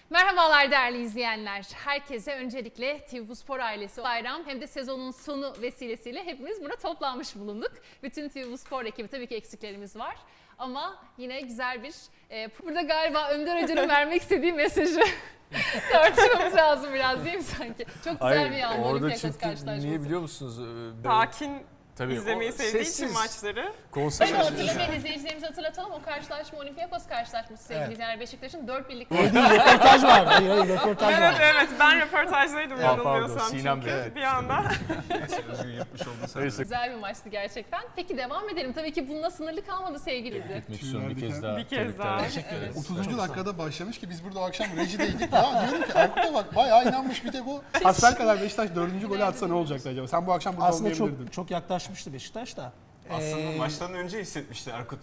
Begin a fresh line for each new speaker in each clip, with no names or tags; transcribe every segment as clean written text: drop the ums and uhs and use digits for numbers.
Merhabalar değerli izleyenler. Herkese öncelikle TV Bu Spor ailesi bayram hem de sezonun sonu vesilesiyle hepimiz burada toplanmış bulunduk. Bütün TV Bu Spor ekibi, tabii ki eksiklerimiz var. Ama yine güzel bir... burada galiba Önder Hoca'nın vermek istediği mesajı tartışmamız lazım biraz, değil mi sanki? Çok güzel bir an Olympiakos karşılaşması.
Niye biliyor musunuz?
Sakin
Tabii,
izlemeyi sevdiği için maçları.
Hadi hatırlamayın, izleyicilerimize hatırlatalım. O karşılaşma Olympiakos karşılaşması sevgili izleyenler. Beşiktaş'ın 4-1'lik...
Röportaj var. Hayır, röportaj var.
Evet, ben röportajdaydım yanılmıyorsam
Sinem
çünkü
Bey.
bir anda.
Özgür yapmış oldu.
Güzel bir maçtı gerçekten. Peki devam edelim. Tabii ki bununla sınırlı kalmadı sevgili İdil.
Gitmek istiyorum bir kez daha.
Bir kez daha.
Teşekkür ederiz.
30. dakikada başlamış ki biz burada o akşam rejideydik. Ya diyorum ki Erkut'a bak bayağı inanmış, bir tek o. Hasbelkader Beşiktaş 4. golü atsa ne olacaktı acaba? Sen bu akşam burada
Aslında
olmayabilirdin.
çok yaklaşmıştı Beşiktaş da.
Aslında maçtan önce hissetmişti Erkut.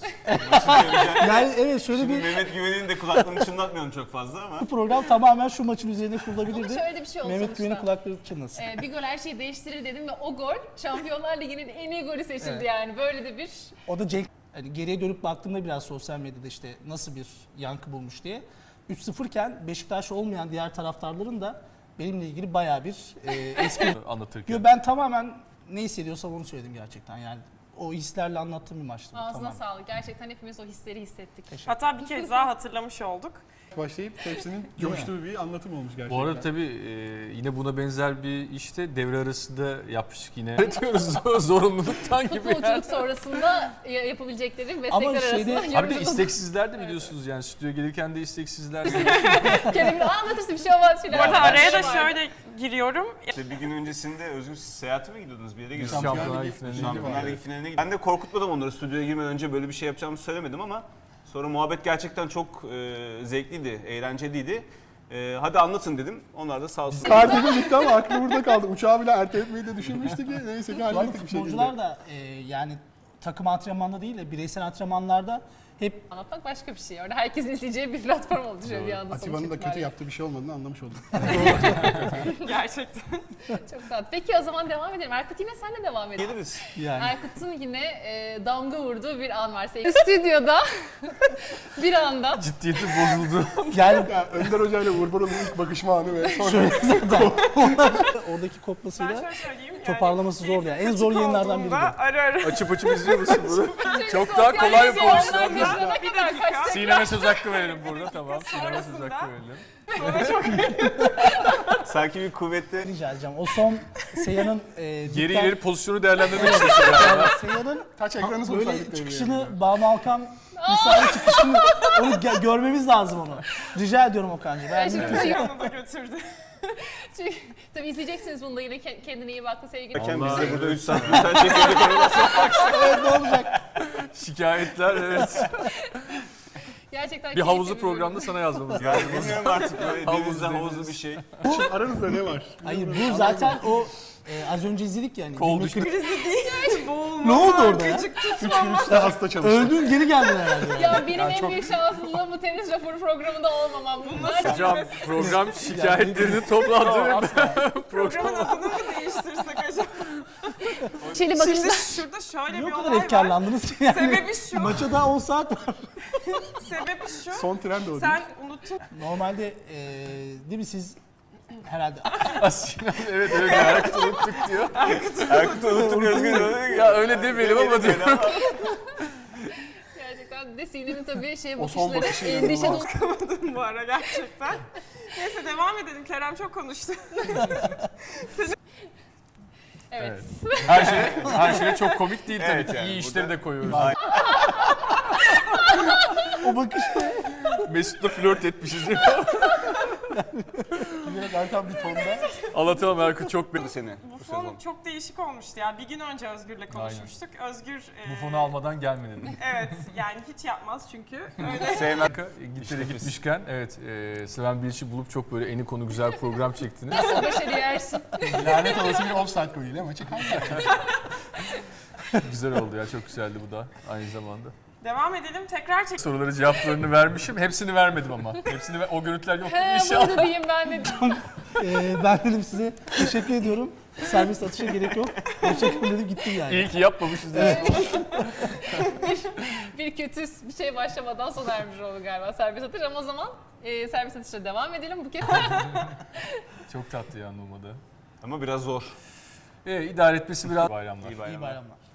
Yani evet, şöyle
Şimdi
bir
Mehmet Güven'in de kulaklığını çınlatmıyorum çok fazla ama.
program tamamen şu maçın üzerine
Ama
kurulabilirdi.
şöyle de bir şey oldu
Mehmet Güven'in
sonuçta.
kulakları çınlasın.
Bir gol her şeyi değiştirir dedim ve o gol Şampiyonlar Ligi'nin en iyi golü seçildi yani. Böyle de bir...
O da Cenk, hani geriye dönüp baktığımda biraz sosyal medyada işte nasıl bir yankı bulmuş diye. 3-0 iken Beşiktaş olmayan diğer taraftarların da benimle ilgili bayağı bir eski...
Anlatırken.
Ben tamamen ne hissediyorsam onu söyledim gerçekten yani. O hislerle anlattığım bir maçtı.
Ağzına
Tamamen.
sağlık. Gerçekten hepimiz o hisleri hissettik.
Hatta bir kez daha hatırlamış olduk.
Başlayıp hepsinin coştuğu bir anlatım olmuş gerçekten.
Bu arada tabii yine buna benzer bir işte devre arasında yapmıştık yine. Diyoruz zorunluluktan gibi.
Futbolculuk sonrasında yapabilecekleri meslekler
Ama
arasında
şeyde-
Abi de
yorumladım.
isteksizler de biliyorsunuz yani stüdyoya gelirken de isteksizler.
Kendimi anlatırsın, bir şey olmaz filan.
Bu arada araya da
Var.
şöyle giriyorum.
İşte bir gün öncesinde Özgür siz seyahate mi gidiyordunuz, bir yere
Biz
gidiyordunuz?
Şampiyonlar Ligi finaline
Şampiyonlar Ligi finaline gittim. Ben de korkutmadım onları, stüdyoya girmeden önce böyle bir şey yapacağımı söylemedim ama sonra muhabbet gerçekten çok zevkliydi, eğlenceliydi. Hadi anlatın dedim. Onlar da sağ olsun.
Kalbim gitti ama aklı burada kaldı. Uçağı bile erteletmeyi de düşünmüştü ki neyse ki
Bu arada
hallettik bir şekilde.
futbolcular da yani takım antrenmanda değil de bireysel antrenmanlarda hep
Anlatmak başka bir şey. Orada herkesin izleyeceği bir platform oldu şöyle bir anda sonuç
Atiba'nın da kötü
itibariyle.
yaptığı bir şey olmadığını anlamış oldum.
Gerçekten.
Çok tatlı. Peki o zaman devam edelim. Erkut, yine senle devam edelim.
Geliriz.
yani
Erkut'un yine damga vurduğu bir an var sevgili. Stüdyoda bir anda
Ciddiyeti bozuldu.
yani
Ya Önder Hoca ile Uğur Boral'ın ilk bakışma anı ve sonra
oradaki
Ben
kopmasıyla
şöyle söyleyeyim.
toparlaması zor yani. En zor yayınlardan biri de.
Ara ara.
Açıp izliyor musun bunu? Çok
sosyal
daha kolay bir
medya
pozisyon.
yayınlarına
Bir
kadar
dakika.
kaçtık.
Sinem'e söz hakkı verelim burada, tamam. Sinem'e söz
Sonrasında-
hakkı verelim.
Sanki bir kuvvetli.
Rica edeceğim. O son Seyhan'ın
Geri ileri pozisyonu değerlendirmek istiyorum.
Seyhan'ın
taç ekranı
böyle
sorsaydık.
çıkışını Banu Alkan misali çıkışını onu görmemiz lazım onu. Rica ediyorum Okan'cığım. Ben
Şimdi
Yanına da götürdü.
çünkü, tabii izleyeceksiniz bunu da yine, kendine iyi baktı sevgili.
Biz de burada 3 saat mesaj çekiyorduk.
ne olacak?
Şikayetler, evet.
Gerçekten
Bir havuzlu
keyifli bölüm.
programda sana yazmamız
Yani
lazım.
bilmiyorum artık böyle
Havuz
denizden
deniz.
havuzlu bir şey.
Aranızda ne var?
Hayır bu zaten o az önce izledik yani.
Kol
Demir
düştü.
Kırık-
Krizi değil. Boğulma.
Ne oldu orada ya?
Gıcık
Üç
tutma.
gün üstte hasta çalıştı.
Öldün geri geldin herhalde. Yani.
Ya benim en büyük şanssızlığım bu tenis raporu programında olmam. Bunlar
Hocam program şikayetlerini toplandı.
Programın adını mı değiştirsek acaba?
Çeli
Şimdi
bakışlar.
şurada şöyle
Niye
bir
o kadar
olay var.
efkarlandınız ki yani?
Sebebi şu.
Maça daha 10 saat var.
Sebebi şu.
Son tren de o değil.
Sen unuttun.
Normalde değil mi siz herhalde
Sinem evet öyle Erkut unuttuk diyor.
Erkut'u unuttuk, Özgür diyor.
Ya öyle demeyelim ama diyor.
Gerçekten de Sinem'in tabii
O son
bakışları
bakışı
endişe dolu.
Unutamadım bu ara gerçekten. Neyse devam edelim. Kerem çok konuştu.
Evet.
Her şey çok komik değil tabii
Evet,
ki.
yani
İyi işleri de koyuyoruz.
o bakışta
Mesut'la flört etmişiz.
Biraz Erkan bir tonda.
Anlatamam Erkut çok beğendim.
Seni
Bu
bu
fon
sezon.
çok değişik olmuştu ya. Bir gün önce Özgür'le konuşmuştuk. Özgür...
Bu fonu almadan gelme dedi.
Evet yani hiç yapmaz çünkü. Öyle
Sevmem.
İngiltere gitmişken evet Slaven Bilic'i bulup çok böyle eni konu güzel program çektiniz.
Nasıl başarı yersin?
Lanet olası bir offside golüyle maçı kaybettik.
Güzel oldu ya, çok güzeldi bu da aynı zamanda.
Devam edelim. Tekrar çek.
Soruları cevaplarını vermişim. Hepsini vermedim ama. O görüntüler yok
He,
inşallah.
burada diyeyim ben de.
Ben dedim size teşekkür ediyorum. Servis atışa gerek yok. Teşekkür dedim gittim yani.
İyi ki yapmamışız.
Bir kötü bir şey başlamadan sona ermiş oldu galiba servis atış ama o zaman servis atışla devam edelim. Buket.
Çok tatlı ya Numa'da.
Ama biraz zor.
İdare etmesi biraz bayramlar.
İyi bayramlar.
İyi bayramlar.